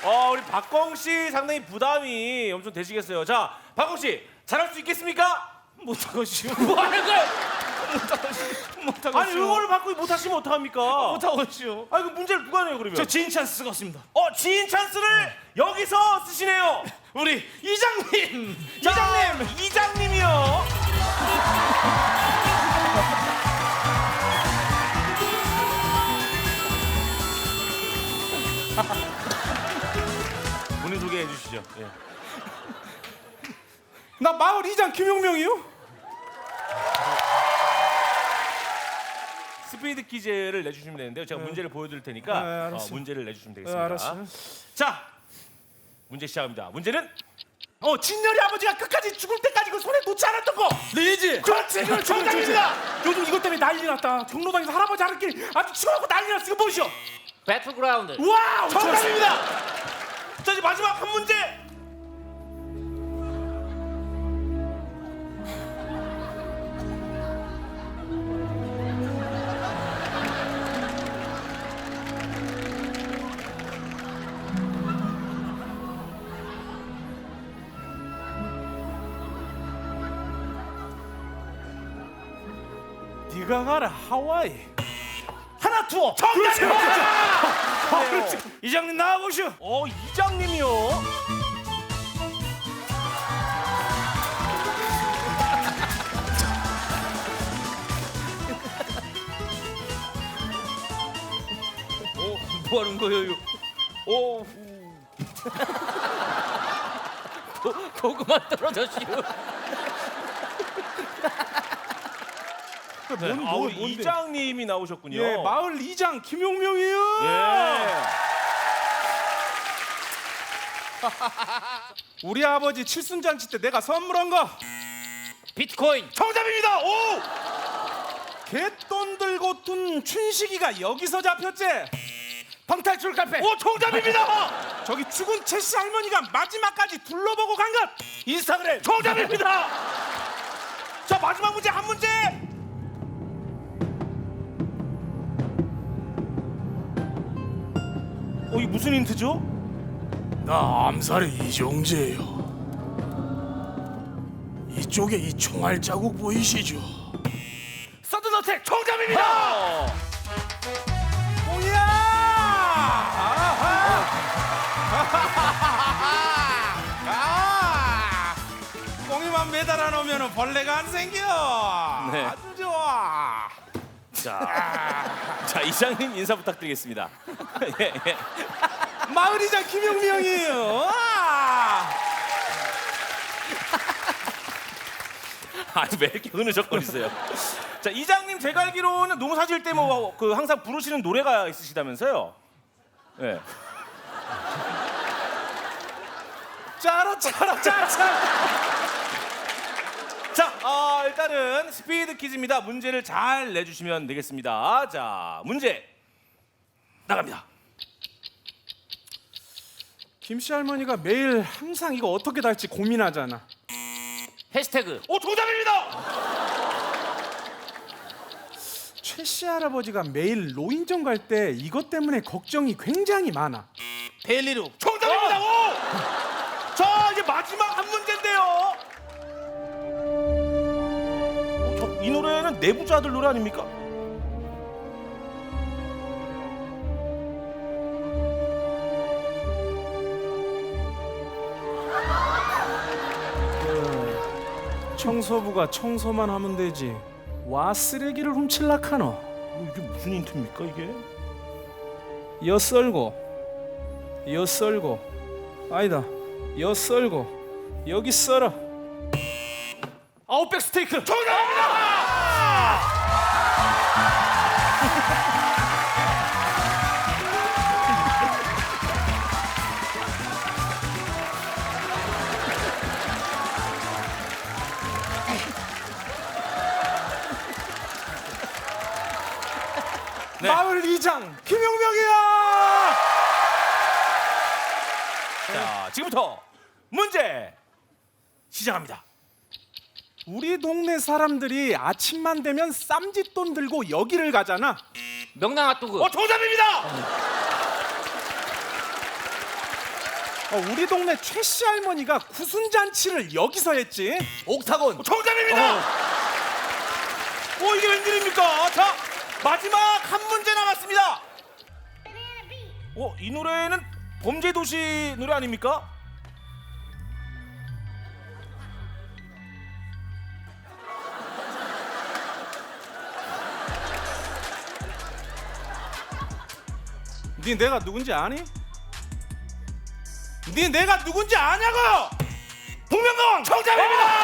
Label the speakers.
Speaker 1: 우리 박광 씨 상당히 부담이 엄청 되시겠어요. 자, 박광 씨 잘할 수 있겠습니까?
Speaker 2: 못하겠슈.
Speaker 1: 뭐 하는 거야?
Speaker 2: 못하겠슈.
Speaker 1: 아니 응원을 받고 못하시면 어떡합니까?
Speaker 2: 못하겠슈.
Speaker 1: 아니 그 문제를 누가 내요 그러면?
Speaker 2: 저 지인 찬스 쓰겠습니다.
Speaker 1: 지인 찬스를 여기서 쓰시네요.
Speaker 2: 우리 이장님.
Speaker 1: 자, 이장님이요. 본인 소개해 주시죠. 예.
Speaker 2: 나 마을 이장 김용명이요.
Speaker 1: 스피드 퀴즈를 내주시면 되는데요. 제가 문제를 보여드릴 테니까
Speaker 2: 알았어.
Speaker 1: 문제를 내주시면 되겠습니다.
Speaker 2: 알았어.
Speaker 1: 자, 문제 시작합니다. 문제는
Speaker 2: 진열이 아버지가 끝까지 죽을 때까지 그 손에 놓지 않았던 거. 리지. 그렇지. 정답입니다. 요즘 이것 때문에 난리 났다. 경로당에서 할아버지 하루끼리 아주 치고받고 난리 났어. 이거 보시오.
Speaker 3: 배틀그라운드.
Speaker 2: 와우.
Speaker 1: 정답입니다. 자, 이제 마지막 한 문제.
Speaker 2: 네가 가라 하와이. 하나 투어.
Speaker 1: 정답입니다.
Speaker 2: 그렇지. 이장님 나와보시오.
Speaker 1: 이장님이요. 뭐 하는 거예요?
Speaker 3: 고구마 떨어졌슈.
Speaker 1: 우리 이장님이 나오셨군요.
Speaker 2: 예, 마을 이장 김용명이요.
Speaker 1: 예.
Speaker 2: 우리 아버지 칠순잔치 때 내가 선물한 거.
Speaker 3: 비트코인.
Speaker 1: 정답입니다. 오!
Speaker 2: 개돈 들고 둔 춘식이가 여기서 잡혔지. 방탈출 카페.
Speaker 1: 정답입니다.
Speaker 2: 저기 죽은 채씨 할머니가 마지막까지 둘러보고 간 것. 인스타그램.
Speaker 1: 정답입니다. 자, 마지막 문제 한 문제. 이게 무슨 힌트죠?
Speaker 4: 나 암살의 이정재예요. 이쪽에 이 총알 자국 보이시죠?
Speaker 1: 서든어택 정답입니다.
Speaker 2: 뭐야? 꽁이만 매달 안 오면은 벌레가 안 생겨.
Speaker 1: 네.
Speaker 2: 아주 좋아.
Speaker 1: 자, 이장님 인사 부탁드리겠습니다. 예, 예.
Speaker 2: 마을이장 김용명이에요.
Speaker 1: 왜 이렇게 흐느적거리세요? 자, 이장님 제가 알기로는 농사 지을 때 뭐 그 항상 부르시는 노래가 있으시다면서요? 예.
Speaker 2: 짜라.
Speaker 1: 자, 일단은 스피드 퀴즈입니다. 문제를 잘 내주시면 되겠습니다. 자, 문제 나갑니다.
Speaker 2: 김씨 할머니가 매일 항상 이거 어떻게 달지 고민하잖아.
Speaker 3: 해시태그.
Speaker 1: 정답입니다.
Speaker 2: 최씨 할아버지가 매일 노인정 갈 때 이것 때문에 걱정이 굉장히 많아.
Speaker 3: 데일리룩.
Speaker 1: 정답입니다. 자, 이제 마지막 한 문제인데요. 이 노래는 내부자들 노래 아닙니까?
Speaker 2: 청소부가 청소만 하면 되지. 와 쓰레기를 훔칠라카노.
Speaker 1: 이게 무슨 힌트입니까 이게?
Speaker 2: 여 썰고 여 썰고 아니다 여 썰고 여기 썰어.
Speaker 1: 아웃백 스테이크 정답입니다. 네.
Speaker 2: 마을 이장 김용명이야.
Speaker 1: 자, 지금부터 문제 시작합니다.
Speaker 2: 우리 동네 사람들이 아침만 되면 쌈짓돈 들고 여기를 가잖아.
Speaker 3: 명랑 핫도그.
Speaker 1: 정답입니다.
Speaker 2: 우리 동네 최씨 할머니가 구순잔치를 여기서 했지.
Speaker 3: 옥타곤.
Speaker 1: 정답입니다. 이게 웬일입니까? 자, 마지막 한 문제 남았습니다. 이 노래는 범죄도시 노래 아닙니까?
Speaker 2: 네 내가 누군지 아니? 네 내가 누군지 아냐고?
Speaker 1: 복면가왕 정답입니다.